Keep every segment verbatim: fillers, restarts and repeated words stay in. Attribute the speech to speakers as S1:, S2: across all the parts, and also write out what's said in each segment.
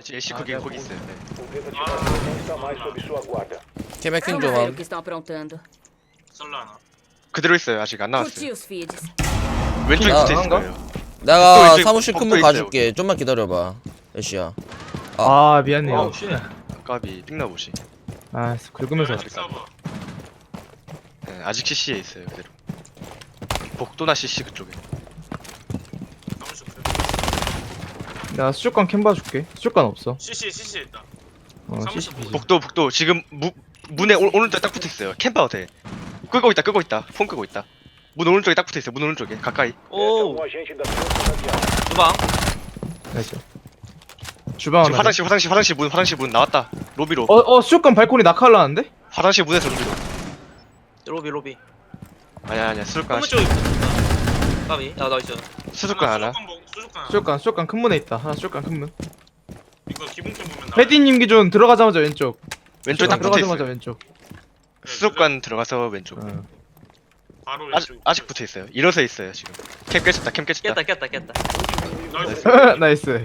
S1: 애쉬 거기 거기 있어요. 네.
S2: O desativador não está mais sob sua guarda.
S3: 캐맥킹
S4: Vamos ver o
S3: 좀
S4: que estão aprontando.
S5: 썰라나.
S1: 그대로 있어요. 아직 안 나왔어요.
S4: Curti os feeds.
S1: 왼쪽에
S3: 아,
S1: 붙어 있을
S6: 한가?
S1: 거예요.
S3: 내가
S1: 복도 이제
S3: 사무실
S1: 복도
S3: 큰문
S1: 있어요.
S3: 가줄게. 좀만 기다려봐. 애쉬야.
S6: 아 미안해요.
S5: 어우 쉣.
S1: 까비 띵나보시.
S6: 아 긁으면서
S5: 아직 서버.
S1: 네, 아직 씨씨에 있어요. 그대로. 복도나 씨씨 그쪽에.
S5: 너무 좋고.
S6: 내가 수족관 캠 봐줄게. 수족관 없어.
S5: 씨씨 씨씨 있다.
S6: 어
S5: 사무실
S6: 씨씨
S5: 보고.
S1: 복도 복도 지금 무, 문에 오, 오른쪽에 딱 붙어 있어요. 캠파워 돼. 끄고 있다 끄고 있다. 폰 끄고 있다. 문 오른쪽에 딱 붙어 있어요. 문 오른쪽에 가까이.
S5: 오.
S2: Um agente da Força Radial.
S5: 주방.
S6: 나이스. 주방
S1: 지금
S6: 하나.
S1: 화장실 화장실 화장실 문 화장실 문 나왔다. 로비로.
S6: 어어 수족관 발코니 낙하하려는데?
S1: 화장실 문에서 로비로.
S5: 로비 로비.
S1: 아니야 아니야 수족관
S5: 한문 쪽에 있다. 까비. 야 나이스.
S1: 수족관 하나.
S5: 수족관.
S6: 수족관 수족관 큰 문에 있다. 하나 수족관 큰 문.
S5: 이거 기본템 보면 나.
S6: 패디님 기준 들어가자마자 왼쪽.
S1: 왼쪽에 딱
S6: 수족관
S1: 붙어
S6: 들어가자마자
S1: 있어요.
S6: 왼쪽.
S1: 수족관 들어가서 왼쪽.
S6: 어.
S5: 바로
S1: 아직
S5: 왼쪽.
S1: 아직 붙어 있어요. 일어서 있어요 지금. 캠 깨졌다 캠 깨졌다.
S5: 깼다 깼다 깼다. 나이스.
S6: 나이스.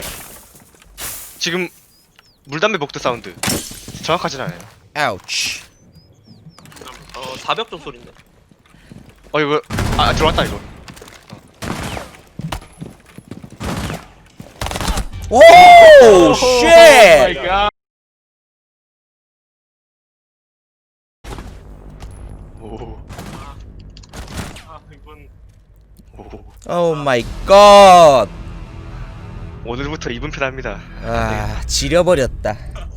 S1: 지금 물담배 복도 사운드. 정확하진 않아요.
S3: 아우치.
S5: 어 사벽 쪽 소리인데.
S1: 어 이거 아 들어왔다 이거.
S3: 오 쉣.
S1: 오.
S5: 아 이건
S1: 오.
S3: 오 마이 갓.
S1: 오늘부터 이분 편합니다.
S3: 아 지려버렸다.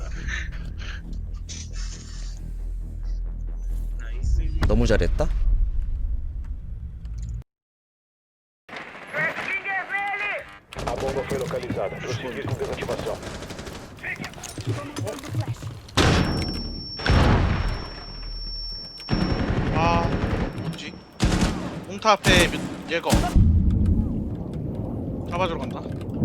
S5: 나이스.
S3: 너무 잘했다.
S2: A bomba foi localizada. Prosseguir com desativação.
S7: 아 뭐지? 몽타 앞에 몇- 얘거 잡아주러 간다.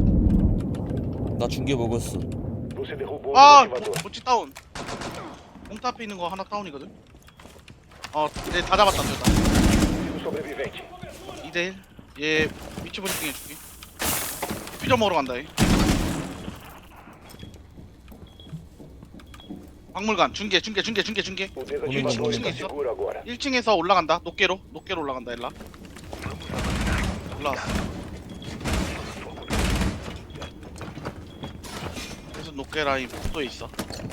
S3: 나 중계 먹었어.
S2: Você derrubou o
S7: 아
S2: desativador.
S7: 뭐지 다운. 몽타 앞에 있는 거 하나 다운이거든. 어얘다 잡았다 둘 다.
S2: Um sobrevivente.
S7: 이 대 일. 얘 위치 브리핑 해줄게. 피자 먹으러 간다 얘. 박물관 중계 중계 중계 중계 중계.
S2: O desativador
S3: momento.
S2: está seguro agora.
S7: 일 층에서 올라간다. 높게로 높게로 올라간다 일라. 올라왔어. 그래서 높게 라인 복도에 있어.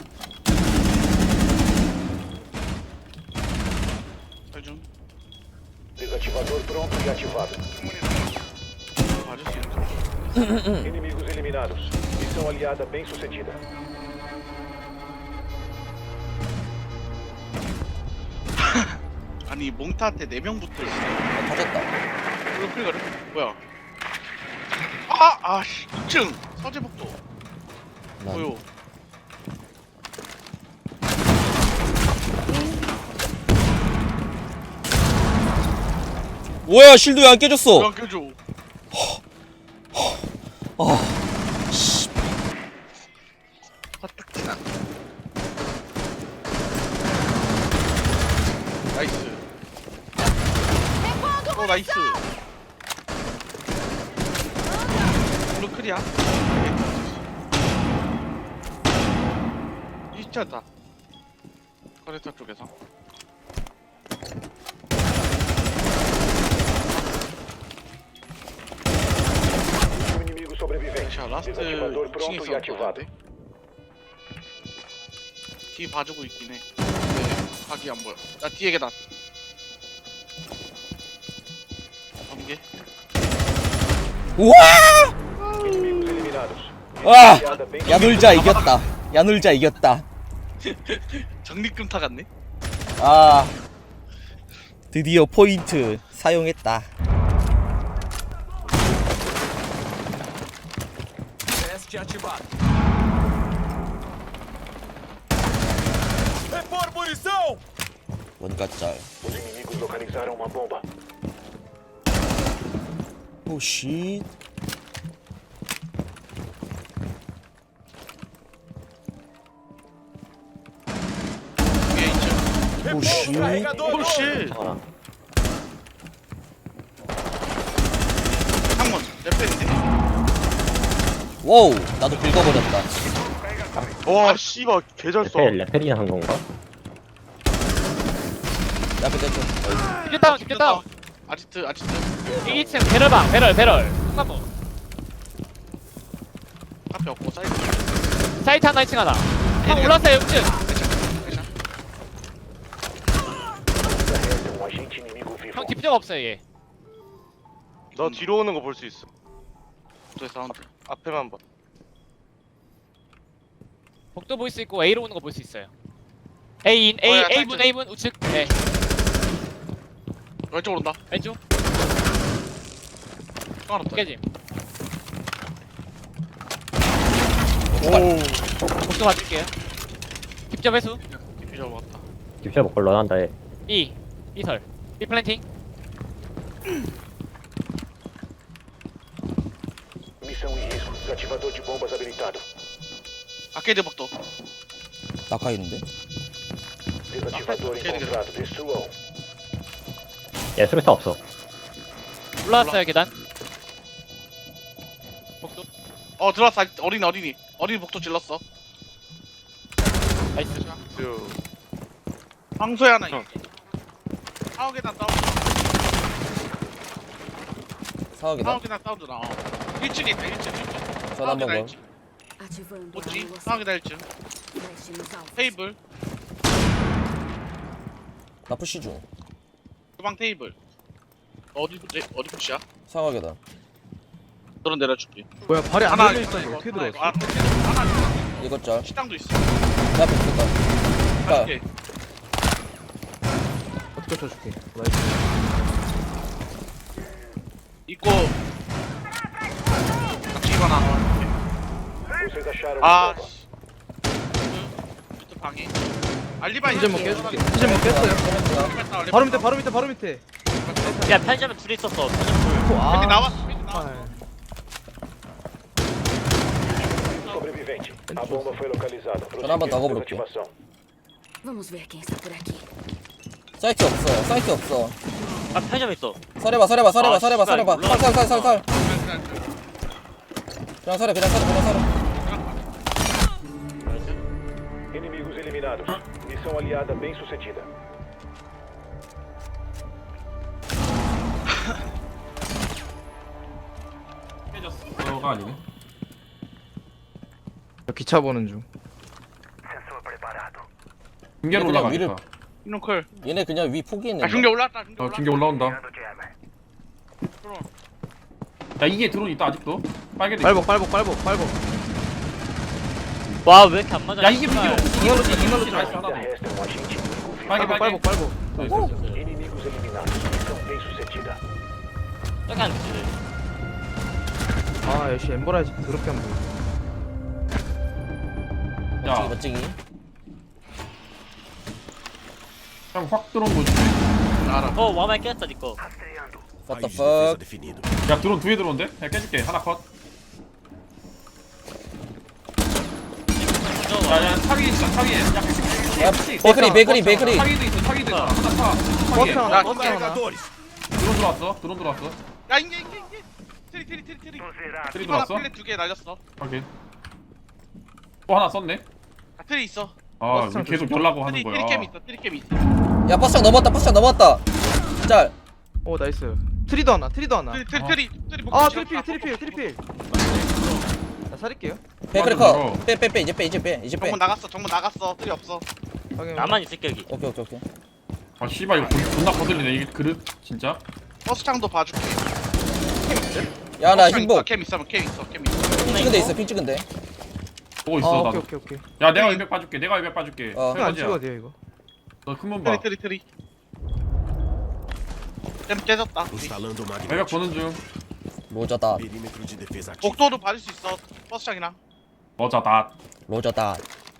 S7: 중
S2: Desativador pronto e ativado.
S7: 봐줄 수 있는.
S2: Inimigos eliminados. Missão aliada bem sucedida.
S7: 아니 몽타한테 네 명 붙어 있어.
S3: 터졌다.
S7: 이거 클리거를? 뭐야? 아, 아씨, 이 층 서재복도
S3: 난
S7: 보여.
S3: 뭐야 실드 왜 안 깨졌어?
S7: 그냥 껴줘. 화딱지나. 나이스. 어 나이스. 블루 클리야. 이차다. 커레터 쪽에서.
S2: Um inimigo sobrevivente.
S7: 자 라스트
S2: Desativador pronto
S7: 이 층에서
S2: e ativado.
S7: 뒤 봐주고 있긴 해. 네, 각이 안 보여. 나 뒤에 계단. 번개.
S3: 우와!
S2: Inimigos eliminados.
S3: 와!
S2: Aliada bem
S3: 야놀자 이겼다. 야놀자 이겼다.
S7: 정리금타 같네.
S3: 아 드디어 포인트 사용했다. 원가짤.
S2: Os inimigos localizaram uma bomba.
S3: 오씨.
S7: 위에 있죠.
S3: 오씨.
S7: 오씨. 창문. 내 편인데.
S3: 와우 나도 긁어버렸다.
S1: 와 씨발 개잘 써.
S4: 레펠 레펠이나 한 건가?
S3: 야 근데 좀
S8: 죽겠다 죽겠다.
S7: 아지트 아지트
S8: 이 층 배럴방 배럴 배럴. 한번
S7: 앞에 없고 사이드
S8: 사이트 하나 이 층 하나. 형 올랐어요 육 층.
S2: Um agente inimigo vivo.
S8: 형 뒷적 없어요 얘.
S1: 너 뒤로 오는 거 볼 수 있어.
S7: 저 사운드
S1: 앞에만 봐.
S8: 복도 볼 수 있고 A로 오는 거 볼 수 있어요. A인 A
S7: 어, 야,
S8: A분
S7: 사이트.
S8: A분 우측. 네
S7: 왼쪽 오른다
S8: 왼쪽
S7: 하나 없다
S8: 깨짐.
S1: 오.
S8: 복도 봐줄게요. 뒷적 회수.
S7: 비자 먹었다
S4: 딥샷 먹걸 런한다 해.
S8: E E설 B 플랜팅.
S2: Missão em risco. Desativador de bombas habilitado.
S7: 아케이드 복도
S3: 낙하 있는데?
S2: Desativador encontrado. Destruam.
S4: 얘 수류탄 없어.
S8: 올라왔어요 계단. 복도
S7: 어 들어왔어 아직 어린이 어린이 어린이 복도 질렀어
S8: 나이스.
S7: 황소에 하나 있어 사오 계단 사운드
S3: 사각이다.
S7: 사오 계단 사운드 나 일 층에 있다 일 층 일 층
S3: 전화 한번 걸.
S9: Ativando
S7: 뭐지?
S9: a
S7: 사오 계단 일 층
S9: Flash nos alvos.
S7: 테이블
S3: 나 푸시 중.
S7: 주방 테이블 어디 푸시 어디 푸시야?
S3: 사각이다.
S7: 너는 내려줄게
S6: 뭐야 발이 안
S7: 하나
S6: 달려
S7: 있어
S6: 있었는데 어떻게 들어왔어?
S7: 아 하나 있어
S3: 이것 짤.
S7: 식당도 있어
S3: 내 앞에 있었다. 자,
S7: 오케이
S6: 어떻게 쳐줄게. 나이스.
S7: 있고 같이 이거 하나
S2: Vocês acharam
S7: 아
S2: a bomba.
S7: 씨. 그 방이 알리바이
S6: 이제 뭐 깨줄게. 이제 뭐 깼어요. 바로 밑에 바로 밑에 바로 밑에.
S5: 야 편의점에 둘이 있었어.
S6: 아.
S7: 펜이 나왔어 펜이 나왔어
S6: 아,
S2: Sobrevivente. A bomba foi localizada.
S3: 전화 한번 더
S2: Prosseguir
S3: 가볼게.
S2: desativação.
S9: Vamos ver quem está por aqui.
S3: 사이트 없어. 사이트 없어.
S5: 아 편의점에 있어.
S3: 설해봐, 설해봐, 설해봐,
S5: 아,
S3: 설해봐,
S5: 씨발,
S3: 설해봐.
S5: 몰라.
S3: 설, 설, 설, 설. 그냥 설해, 그냥 설해, 그냥 설해.
S2: Inimigos eliminados. Missão aliada bem sucedida.
S10: 깨졌어가 아니네.
S6: 저 기차 보는 중.
S10: 중계로
S3: 그냥
S10: 올라가니까.
S3: 위를-
S7: 이놈클
S3: 얘네 그냥 위 포기했네.
S7: 아 중계 올라왔다 중계
S10: 어
S7: 올라왔다
S10: 중계 올라온다. 야 이게 드론 있다 아직도. 빨개도.
S6: 빨복 빨복 빨복 빨복.
S5: 와 왜 이렇게 안 맞아?
S10: 야 이게 비기로.
S6: 이걸로 쳐 이걸로 쳐.
S10: 나이스 하나 더.
S2: Ainda resta um agente inimigo vivo.
S10: 빨개
S6: 빨복
S10: 빨개.
S6: 빨복 빨복.
S10: 나이스.
S2: Inimigos eliminados. Missão bem sucedida.
S5: 저기 안 되지.
S6: 아 역시 엠버라이즈 더럽게 안 보여.
S3: 멋지기,
S10: 야
S3: 멋지기.
S10: 그냥 확 들어온 거지.
S7: 알아
S5: 어 와마이 깼다 니꺼.
S3: What the fuck?
S10: 야 드론 두 개 들어온대. 야 깨줄게 하나 컷. 야야 사기 있어 사기. 야
S3: 야, 베이커리, 베이커리, 베이커리.
S10: 사기도 있어 사기도 있어. 하나 파.
S6: 버스
S10: 사기.
S6: 하나
S7: 야,
S6: 버스 하나.
S10: 드론 들어왔어. 드론 들어왔어.
S7: 야 인게 인게 인게 트리 트리 트리 트리
S10: 트리
S7: 이거 하나
S10: 들어왔어.
S7: 플랫 두개 날렸어
S10: 확인. 또 하나 썼네.
S7: 아 트리 있어
S10: 아
S6: 버스장
S10: 왜 계속
S6: 조심.
S10: 연락고 하는
S7: 트리
S10: 거야.
S7: 트리캠 있어 트리캠 있어
S3: 야, 버스장 넘었다, 버스장 넘었다. 짤.
S6: 오 나이스. 트리도 하나 트리도 하나.
S7: 트리 트리
S10: 어.
S7: 트리 트리
S6: 아
S7: 복도
S6: 트리필
S7: 지었다.
S6: 트리필 트리필. 나 살릴게요.
S3: 베이커리
S10: 맞아,
S3: 컷. 빼, 빼, 빼, 이제 빼, 이제 빼, 이제 빼.
S7: 정문 나갔어 정문 나갔어 트리 없어
S6: 확인.
S5: 나만 있을게 여기.
S3: 오케이, 오케이, 오케이.
S10: 아 씨발 이거 돈- 존나 거슬리네 이게 그릇 진짜.
S7: 버스창도 봐줄게
S3: 야, 나
S7: 버스창
S3: 흰복.
S7: 있어, 캠 있어 캠 있어 캠 있어
S3: 핑 찍은 데 있어, 핑 찍은 데.
S10: 보고
S6: 아
S10: 있어
S6: 오케이
S10: 나도.
S6: 오케이 오케이.
S10: 야 내가 일백 봐줄게. 내가 일백 봐줄게.
S3: 어.
S6: 이거 안
S10: 설거지야.
S6: 찍어도 돼요 이거.
S10: 너 큰문 봐.
S7: 트리 트리 트리 캠 깨졌다
S10: 일백 보는 중.
S3: 로저다,
S7: 복도도 봐줄 수 있어 버스창이랑
S10: 맞아 나.
S3: 로저다.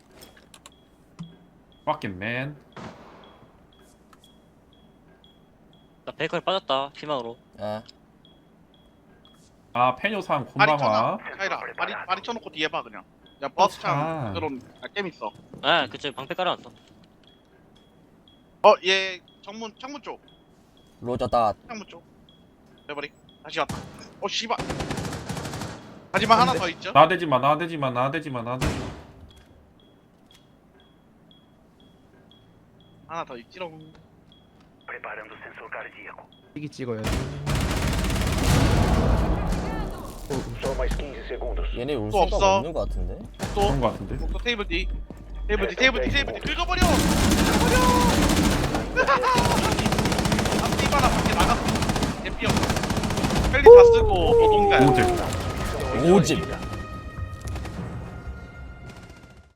S10: Fucking man.
S5: 나 베이커리 빠졌다 희망으로.
S3: 아,
S10: 아 페뇨상
S7: 발이
S10: 곤방아.
S7: 쳐놔 카이라 발이 발이 쳐놓고 뒤에 봐 그냥 야 버스창
S10: 아.
S7: 들어온 아, 캠 있어
S5: 아 그치 방패 깔아놨어.
S7: 어얘 정문 창문 쪽
S3: 로저다.
S7: 창문 쪽 내버리 다시 왔다 어 씨발 하지만 하나 더 있죠.
S10: 나대지 마, 나대지 마, 나대지 마, 나대지 마.
S7: 하나 더 있지롱.
S6: 이기 찍어야 돼.
S2: Só mais quinze segundos.
S3: 얘네 올
S7: 또
S3: 생각
S7: 없어.
S3: 없는 거 같은데?
S7: 또,
S10: 그런 거 같은데.
S7: 또 테이블 뒤. 테이블 뒤, 테이블 뒤, 테이블 뒤. 긁어버려! 긁어버려! 앞뒤 봐라, 밖에 나갔어. 대피 없어. 펠리 다 쓰고, 노동가야.
S10: 오제.
S3: 오집